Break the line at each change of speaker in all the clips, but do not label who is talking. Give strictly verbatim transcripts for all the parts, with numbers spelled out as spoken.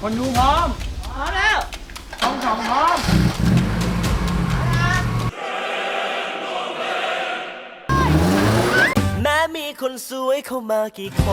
คนดูพร้อม
พร้อมแล้ว
สองสองพร้อม
แม้มีคนสวยเข้ามากี่คน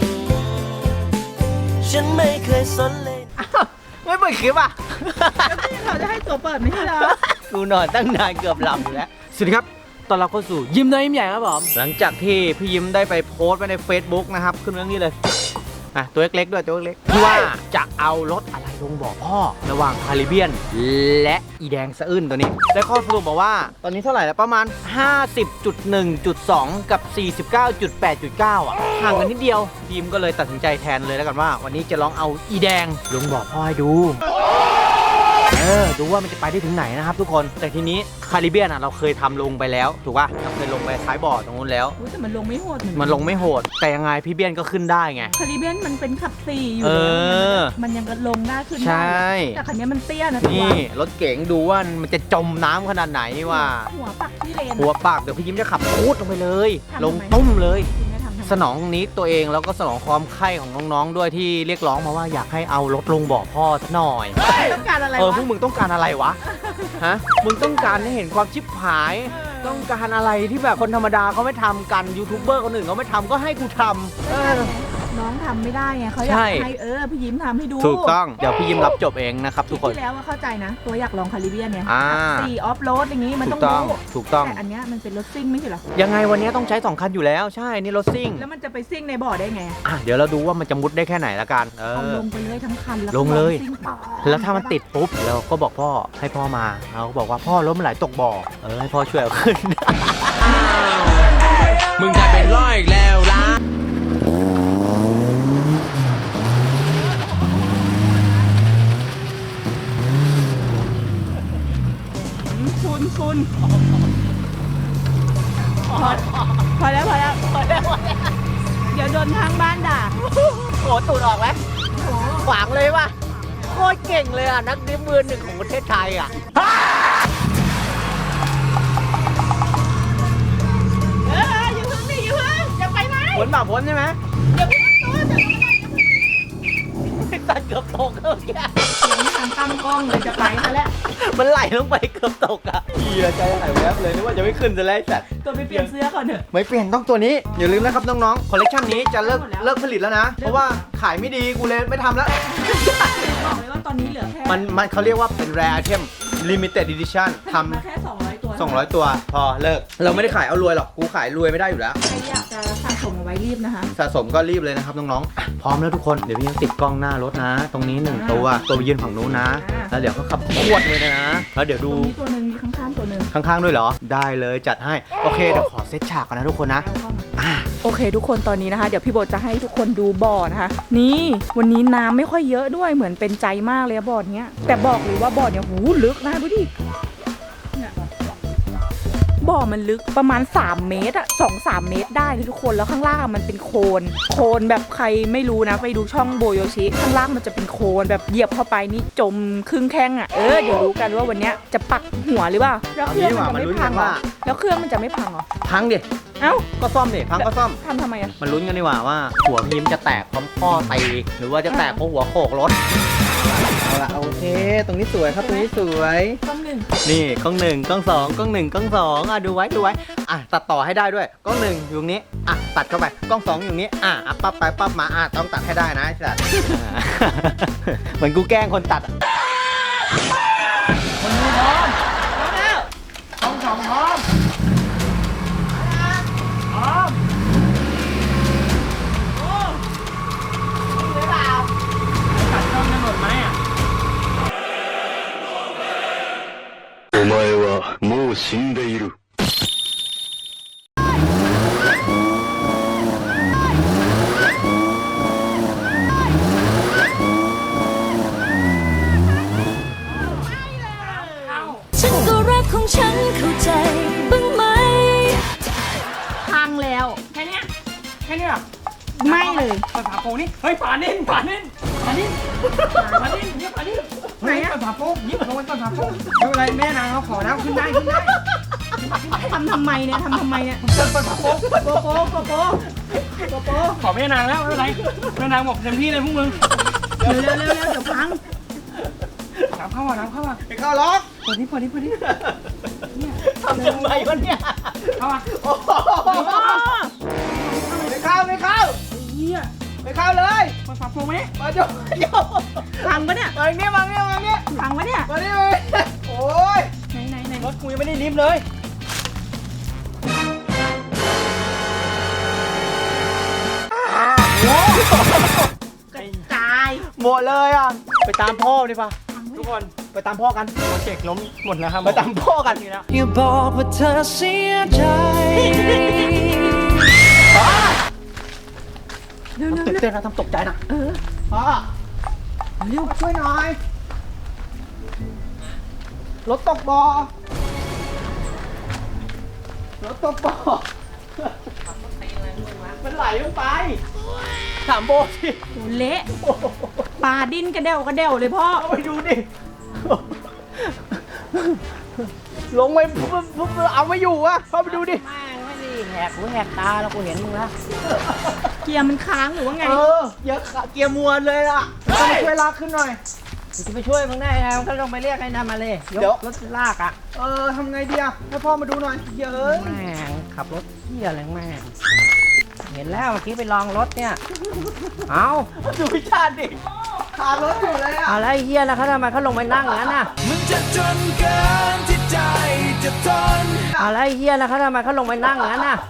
ฉันไม่เคยสนเลย
ไม่เปิดคลิปอ่ะ
เขาจะให้ตัวเปิดไม่ใช่เหรอ
กูนอนตั้งนานเกือบหลับอยู่แล้วสวัสดีครับตอนรับเข้าสู่ยิ้มน้อยยิ้มใหญ่ครับผมหลังจากที่พี่ยิ้มได้ไปโพสต์ไว้ใน Facebook นะครับขึ้นเรื่องนี้เลยอ่ะตัวเล็กๆด้วยตัวเล็กๆที่ว่าจะเอารถอะไรลงบ่อพ่อระหว่างคาริเบียนและอีแดงสะอื้นตัวนี้ได้ข้อสรุปบอกว่าตอนนี้เท่าไหร่แล้วประมาณ ห้าสิบจุดหนึ่งจุดสอง กับ สี่สิบเก้าจุดแปดจุดเก้า อ่ะห่างกันนิดเดียวทีมก็เลยตัดสินใจแทนเลยแล้วกันว่าวันนี้จะลองเอาอีแดงลงบ่อพ่อให้ดูเออดูว่ามันจะไปได้ถึงไหนนะครับทุกคนแต่ทีนี้คาริเบียนอ่ะเราเคยทำลงไปแล้วถูกป่ะเราเคยลงไปท้ายบ่อตรงนู้นแล้ว
แต่มันลงไม่โหด
มันลงไม่โหดแต่ยังไงพี่เบียนก็ขึ้นได้ไง
คาริเบียนมันเป็นขับสี่อยู่
แล้ว
มันยังก็ลงได้ขึ้น
ได้
แต่คันนี้มันเตี้ยนะ
นี่รถเก๋งดูว่ามันจะจมน้ำขนาดไหนนี่ว่า
หัวปักที่เลน
หัวปากเดี๋ยวพี่ยิ้มจะขับพูดลงไปเลยลงตุ้มเลยสนองนี้ตัวเองแล้วก็สนองความใคร่ของน้องๆด้วยที่เรียกร้องมาว่าอยากให้เอารถลงบ่อพ่อสักหน่อย
ต้องการอะไร
เออพวกมึงต้องการอะไรวะฮะมึงต้องการให้เห็นความชิบหายต้องการอะไรที่แบบคนธรรมดาเขาไม่ทำกันยูทูบเบอร์คนอื่นเขาไม่ทำก็ให้กูทำเออ
น้องทำไม่ได้ไงเขาอยากให้เออพี่ยิ้มทำให้ดู
ถูกต้องเดี๋ยวพี่ยิ้มรับจบเองนะครับทุกคน
ที่แล้วว่าเข้าใจนะตัวอยากลองคาริเบียนเนี่ย
อ่า
สี่ออฟโรดอย่างงี้มันต้อง
รู้ถูกต้อง
แต่อันเนี้ยมันเป็นรถซิ่งไม่ใช่หรอ
ยังไงวันนี้ต้องใช้สองคันอยู่แล้วใช่นี่รถซิ่ง
แล้วมันจะไปซิ่งในบ่อได้ไง
อ่ะเดี๋ยวเราดูว่ามันจะมุดได้แค่ไหนละกันเอ
อลงไปเลยทั้งคันแล้ว
ลงเลยแล้วถ้ามันติดปุ๊บเราก็บอกพ่อให้พ่อมาเราก็บอกว่าพ่อรถมันไหลตกบ่อเออให้พ่อช่วยเอาขึ้น
มึงจะเป็นร้อยอีกแล้วล่ะ
คุณคุณพอพอแล้วพอแล้วพอแล้วเดี๋ยวโดนทางบ้านด่า
โอ้ตูดออกไหมขวางเลยว่ะโคตรเก่งเลยอ่ะนักดิฟมือหนึ่งของประเทศไทยอ่ะ
เอออยู่พึ่งดิอยู่พึ่งจะไปไหม
พ้นบ่าพ้นใช่ไหม
อย่าพึ่งตัวจะ
ไม่ตัดเกือบตกเออแก
ยังทำตั้งกล้องเลยจะไปซะแล้ว
มันไหลลงไปเกือบตกอ่ะเฮียใจหายแวบเลยนึกว่าจะไม่ขึ้นจะไล่สัตว์
ตัวไปเปลี่ยนเสื้อก่อนเถอะ
ไม่เปลี่ยนต้องตัวนี้อย่าลืมนะครับน้องๆคอลเลคชันนี้จะเลิกเลิกผลิตแล้วนะเพราะว่าขายไม่ดีกูเลยไม่ทำแล้ว
บอกเลยว่าตอนนี้เหลือแค่
มันมันเขาเรียกว่าเป็น rare item limited edition ทำ
มาแค่สองร้อยตัว
สองร้อยตัวพอเลิกเราไม่ได้ขายเอารวยหรอกกูขายรวยไม่ได้อยู่แล้ว
ใครอยากจะสะสมเอาไว้รีบนะคะ
สะสมก็รีบเลยนะครับน้องๆพร้อมแล้วทุกคนเดี๋ยวพี่ยังติดกล้องหน้ารถนะ ตรงนี้หนึ่งตัวตัวยืนฝั่งนู้นนะแล้วเดี๋ยวเขาขับขวดเลยนะแล้วเดี๋ยวดู
ตัวนึงข้างๆตัวนึง
ข้างๆด้วยเหรอได้เลยจัดให้โอเคเดี๋ยวขอเซตฉากก่อนนะทุกคนนะ
โอเคทุกคนตอนนี้นะคะเดี๋ยวพี่โบจะให้ทุกคนดูบ่อนะคะนี่วันนี้น้ำไม่ค่อยเยอะด้วยเหมือนเป็นใจมากเลยบ่อเนี้ยแต่บอกเลยว่าบ่อเนี้ยหูลึกนะดูดิบ่อมันลึกประมาณสามเมตรอะสองสามเมตรได้เลยทุกคนแล้วข้างล่างมันเป็นโคลนโคลนแบบใครไม่รู้นะไปดูช่องโบโยชิข้างล่างมันจะเป็นโคลนแบบเหยียบเข้าไปนี่จมครึ่งแข้งอะเออเดี๋ยวรู้กันว่าวันนี้จะปักหัวหรือเปล่าแล้วเครื่องมันจะไม่พังหรอแล้วเครื่องมันจะไม่พังหรอ
พังดิ
เอ้า
ก็ซ่อมดิพังก็ซ่อม
ทำทำไมอะ
มันลุ้นกันดีกว่าว่าหัวพิมพ์จะแตกพร้อมพ่อตีหรือว่าจะแตกเพราะหัวโขกรถเอาละโอเคตรงนี้สวยครับตรงนี้สวย
กล้องหนึ่ง
นี่กล้องหนึ่งกล้องสองกล้องหนึ่งกล้องสองอ่ะดูไว้ดูไว้อ่ะตัดต่อให้ได้ด้วยกล้องหนึ่งอยู่ตรงนี้อ่ะตัดเข้าไปกล้องสองอยู่นี้อ่ะอ่ะปั๊บไปปั๊บมาอ่ะต้องตัดให้ได้นะไอ้สัตว์เหมือนกูแกล้งคนตัด
คนดูพร้อมพร้อมแล้วสองสองพร้อมพร้อมโอ้หรือเปล่าตัดกล้องจะหมดไหมอ่ะ
お前はもう死んでいる。
ฉันก็รักของฉันเข้าใจบ้างไหม
พังแล้ว
แค่นี้แค่นี้หรอ
ไม่เลย
เปิดฝาโปร่งนี่เฮ้ยฝานิ่นฝานิ่นฝานิ่นฝานิ่นเนี่ยฝานิ่นไหนอะเปิดฝาโปร่งนี่ลงไปเปิดฝาโปร่งไม่เป็นไรแม่นางเขาขอแล้วขึ้นได้ขึ้นได้
ทำทำไมเนี่ยทำทำไมเนี่ย
เปิดเปิดฝาโปร่ง
โกโก้โกโก้โกโก้
ขอแม่นางแล้วไม่เป็นไรแม่นางบอกเต็มที่เลยพวกมึง
เร็วเร็วเร็วเดี๋ยวพัง
น้ำเข้ามาน้ำเข้ามา
ไปเข้าล็อก
เปิดนี่เปิดนี่เปิดนี่
ทำทำไมวะเนี่ย
เข้ามา
โอ้โหไม่เข้าไม่เข้า
เฮีย
ไม่เข้าเลย
มาฝาโฟมไหม
มาโยนโยน
พังปะเนี่ย
มาเนี่ยมาเนี่ยมาเนี่ย
พังปะเนี่ย
มาเนี่ยมาเนี่ยโอ้ย
ไหนไหนไหน
รถกูยังไม่ได้ลิฟต์เลย
กระจาย
หมดเลยอ่ะไปตามพ่อดีป่ะทุกคนไปตามพ่อกัน
โปรเจกต์ล้มหมดแล้วครับ
ไปตามพ่อกัน
นี่แล้ว
อย่าบอกว่าเธอเสียใจ
เร็วเร็ว
ตื่น
เร็ว
เต้นนะทำตกใจนะ
เออ
พ่อ
เร็ว
มาช่วยหน่อยรถตกบ่อรถตกบ่อมันไหลลงไปถามโบสิ
โอ้เละปลาดิ้นกระเดวกระเดวเลยพ่อ
เอาไปดูดิลงไปปุ๊บปุ๊บเอาไม่อยู่อะเข้าไปดูดิ
แม่งไม่ดีแหกหูแหกตาแล้วกูเห็นมึงแล้ว
เกียร์มันค้างหรือว่าไง
เออเกียร์ขาเกียร์มวนเลยล่ะต้องมาช่วยลากขึ้นหน่อย
กูจะไปช่วยมึงได้ไงมึงก็ต้องไปเรียกไอ้นั่นมาเลยย
เดี๋ยว
กรถลากอ่ะ
เออทำไงดีอะให้พ่อมาดูหน่อยเฮ้ย
แม่งขับรถเที่ยอะไรแม่งเห็นแล้วเมื่อกี้ไปลองรถเนี่ย เอา
ดูพิชาติดิขารถอยู่เลยอะ
เอาแล้วไอ้เฮียแล้วเขาทำไมเขาลงไปนั่งอย่างนั้นน่ะ
มึงจะจนเกินที่ใจจะทน
เอาแล้วไอ้เฮียแล้วเขาทำไมเขาลงไปนั่งอย่างนั้นน่ะ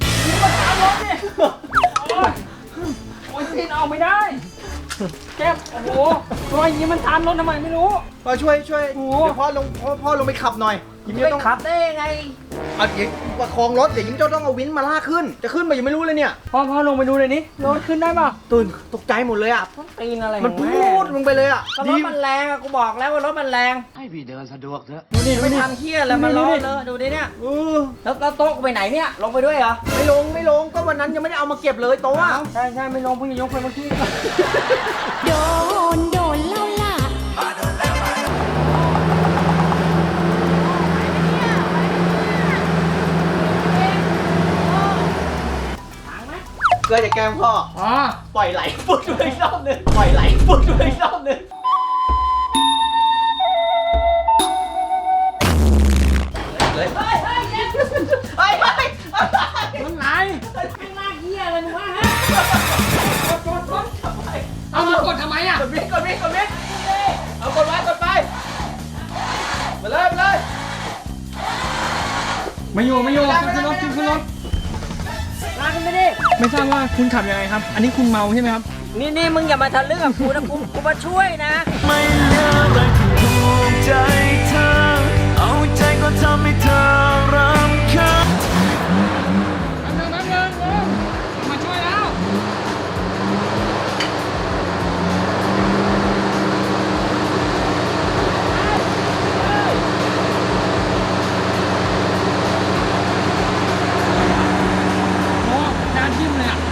โอ้ยปีนออกไม่ได้แก้มโอ้โหตัวอย่างนี้มันทานรถทำไมไม่รู้
พ่อช่วยช่วย
โอ้
เดี๋ยวพ่อลงพ่อพ่อลงไปขับหน่อยยิ้ม
ไป
จะต้อง
ขับได้ยังไง
เอาเดี๋ยวประคองรถเดี๋ยวยิ้มจะต้องเอาวินมาลากขึ้น จะขึ้นมายังไม่รู้เลยเนี่ย
พ่อพ่อลงไปดูเลยนี่รถขึ้นได้ป่ะ
ตื่นตกใจหมดเลยอะ
ตีนอะไร
มัน
ของ
พู
แม่
ดลงไปเลยอะ
ก็รถมันแรงอะกูบอกแล้วว่ารถมันแรง
ให้พี่เดินสะดวกเถอะ
ดูดิดู
ไม่
ดิ
ทำเฮียอะไรมาล้อเลยดูดิเนี่ย
เออ
แล้วแล้วโต๊ะกูไปไหนเนี่ยลงไปด้วยเหรอ
ไม่ลงไม่ลงก็วันนั้นยังไม่ได้เอามาเก็บเลยโต๊ะอะ
ใช่ใช่ไม่ลงเพิ่งจะยกไปเมื่อกี้
โดน โดนเล่าล่ะ
เกลือจะแกล้งพ่อ
อ๋อ
ปล่อยไหลปุ๊บด้วยอีกรอบหนึงปล่อยไหลปุ๊บด้วยอีกรอบหนึงเลยเฮ้ยเฮ้ยเฮ้ยเฮ้ยเฮ้ย
มันไหล
ไม่ลากเฮียอะไรมึงวะฮะ
เอามากดทำไมอ่ะ
กดมิดกดมิดกดมิดเอากดไว้กดไปมาเลยมาเลย
ไม่อยู่ไม่อยู่ขึ้นรถขึ้นขึ้นรถ
ลากขึ้นไปดิ
ไม่ทราบว่าคุณขับยังไงครับ อันนี้คุณเมาใช่ไหมครับ
นี่นี่มึงอย่ามาทะลึ่งกับกูนะกูกูมาช่วยนะ
ไม่เลือกเลยที่ถูกใจเธอ เอาใจก็ทำให้เธอรำคาญ
แป๊บนึงแป๊บนึงเออมาช่วยแล้วโอ้จานทิ่มเลยอ่ะ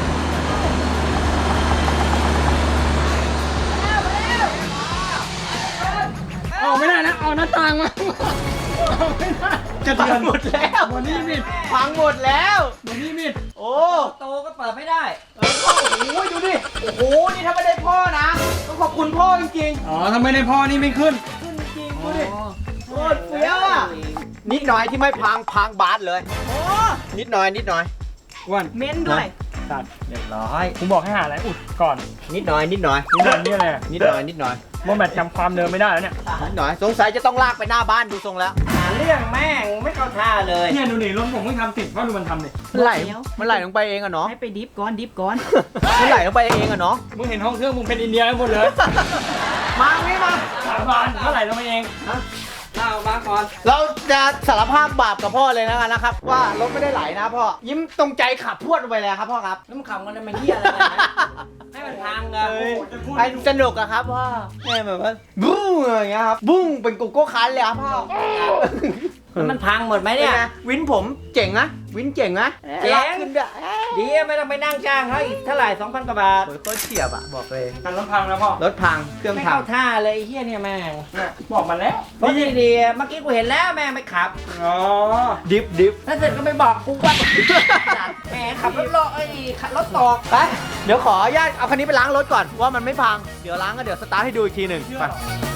เอาไม่ได้นะเอาหน้าต่างมาเอาไม่ได้จะ
พั
เตือง น
หมดแล้ว
วันนี้มิด
พังหมดแล้ว
วันนี้มิด
โอ้
โตก็เปิดไม่ได้
โอ้ยดูดิโอ้โหนี่ถ้าไม่ได้พ่อนะต้องขอบคุณพ่อจริง
อ๋อถ้าไม่ได้พ่อนี่ไม่ขึ้น
ๆขึ้นจริงๆดูดิโคตรเฟี้ยวอ่ะนิดหน่อยที่ไม่พังพังบาสเลยนิดหน่อยนิดหน่อย
อ้วัน
เม้นด้วย
ตัดเรียบร้อยผมบอกให้หาอะไรอุดก่อน
นิดหน่อยนิดหน่อย
นี่มันนี่อะไรอะ
นิดหน่อยนิดหน่อย
โมแบตจำความเดิมไม่ได้แล้วเนี่ย
นิดหน่อยสงสัยจะต้องลากไปหน้าบ้านดูทรงแล้ว
หาเรื่องแม่งไม่เข้าท่าเลย
เนี่ยดูนี่รถผมเพิ่งทำติดเพราะดูมันทำดิ
มันไหลมันไหลลงไปเองอะเนาะ
ให้ไปดิฟก่อนดิฟก่อน
มันไหลลงไปเองอะเนาะ
มึงเห็นห้องเครื่องมึงเป็นอินเดียกันหมดเลย
มางี้มา
สามบานเท่าไหร่ลงมาเอง
เล่ามาก่อน
เราจะสารภาพบาปกับพ่อเลยนะกันนะครับ ว่ารถไม่ได้ไหลนะพ่อยิ้มตรงใจขับพรวดลงไปเลยครับพ่อครับ
แล้วมึงขับกันทำไมเฮียอะไรกันนะให้มันพังกัน
เอ้ยไอ้สนุกอะครับพ่อแม่แบบว่าบุ้งอย่างเงี้ยครับบุ้งเป็นโกโก้คันเลยครับพ่อ
แล้วมันพังหมดไหมเนี่ย
วินผมเจ๋งนะวินเจ๋งนะ
เจ๋ง
ล็อกขึ้นด้วย
ดีอะไม่ต้องไปนั่งจ้างเขาอีกเท่าไหร่สองพันกว่าบาท
โอ้ยโคตรเฉียบอ่ะบอกเลย
กันรถพังแล้วพ่อ
รถพังเครื่อง
ไม่
พัง
เข้าท่าเลยไอ้เฮียเนี่ยแม่ง
เนี่ยบอกมาแล้ว
รถดีๆเมื่อกี้กูเห็นแล้วแม่งไม่ขับ
อ๋อ
ดิฟดิฟ
แล้วเสร็จก็ไม่บอกกูว่าแหมขับรถโลไอ้ยขับรถตก
ไปเดี๋ยวขออนุญาตเอาคันนี้ไปล้างรถก่อนว่ามันไม่พังเดี๋ยวล้างก็เดี๋ยวสตาร์ทให้ดูอีกทีหนึ่งไป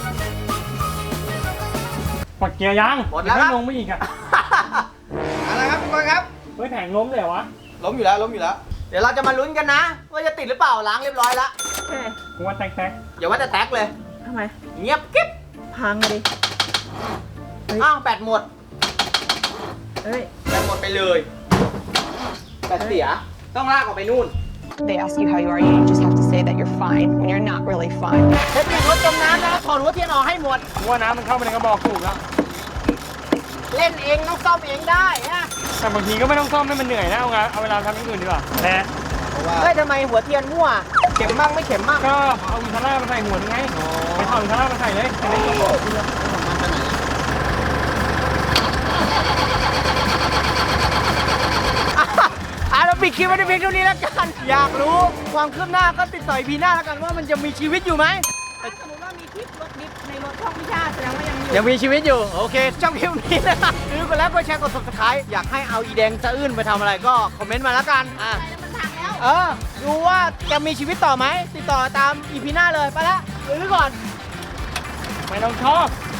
ปลดเกียร์ยัง
หมดแล้วครับ
ไม่ลงไม่อีกอ่ะ
อะไรครับทุกคนครับ
เฮ้ยแผงล้มเลยเหรอวะ
ล้มอยู่แล้วล้มอยู่แล้ว เดี๋ยวเราจะมาลุ้นกันนะ ว่าจะติดหรือเปล่าล้างเรียบร้อยแล้ว
เฮ้ย
กูว่าแตก
อย่าว่าแต่แตกเลย
ทำไม
เงียบกิ๊บ
พังดิ
อ้าวแบตหมด
เฮ้ย
แบตหมดไปเลยแบตเสียต้องลากออกไปนู่น
They ask you how you are, you just have to say that you're fine when you're not really fine.
เทคนิครถจมน้ำนะถอดหัวเทียนออกให้หมด
ๆกูว่าน้ำมันเข้าไปในกระบอกถูกแล้ว
เล่นเองต้องซ่อมเองได้นะ
แต่บางทีก็ไม่ต้องซ่อมให้มันเหนื่อยนะเอางานเอาเวลาทำอย่างอื่นดีกว่าแต่
เฮ้ยทำไมหัวเทียนมั่ว เข็มบ้างไม่เข็มบ้าง
ก็เอาอินทาร่ามาใส่หัวนึงไงไปถอดอินทาร่ามาใส่เลยจะได้กระบอกที่แล้ว
อ่ะเราปิดคลิปไว้ในเพียงเท่านี้แล้วกัน อยากรู้ความคืบหน้าก็ติดต่ออีพีหน้าแล้วกันว่ามันจะมีชีวิตอยู่ไหม
ถ้าสมมติว่ามีคลิปรถดิฟในรถช่องพิชาแสดงว่ายังมีอยู่
ยังมีชีวิตอยู่ โอเคช่องคลิปนี้นะครับหรือกดไลค์กดแชร์กด subscribe อยากให้เอาอีแดงสะอื้นไปทำอะไรก็คอมเมนต์มาแล้วกันอ่ะ
แล้วมันพังแล้ว
เออ ดูว่าจะมีชีวิตต่อไหม ติดต่อตามอีพีหน้าเลย ไปละหรือก่อน
ไม่ต้องชอบ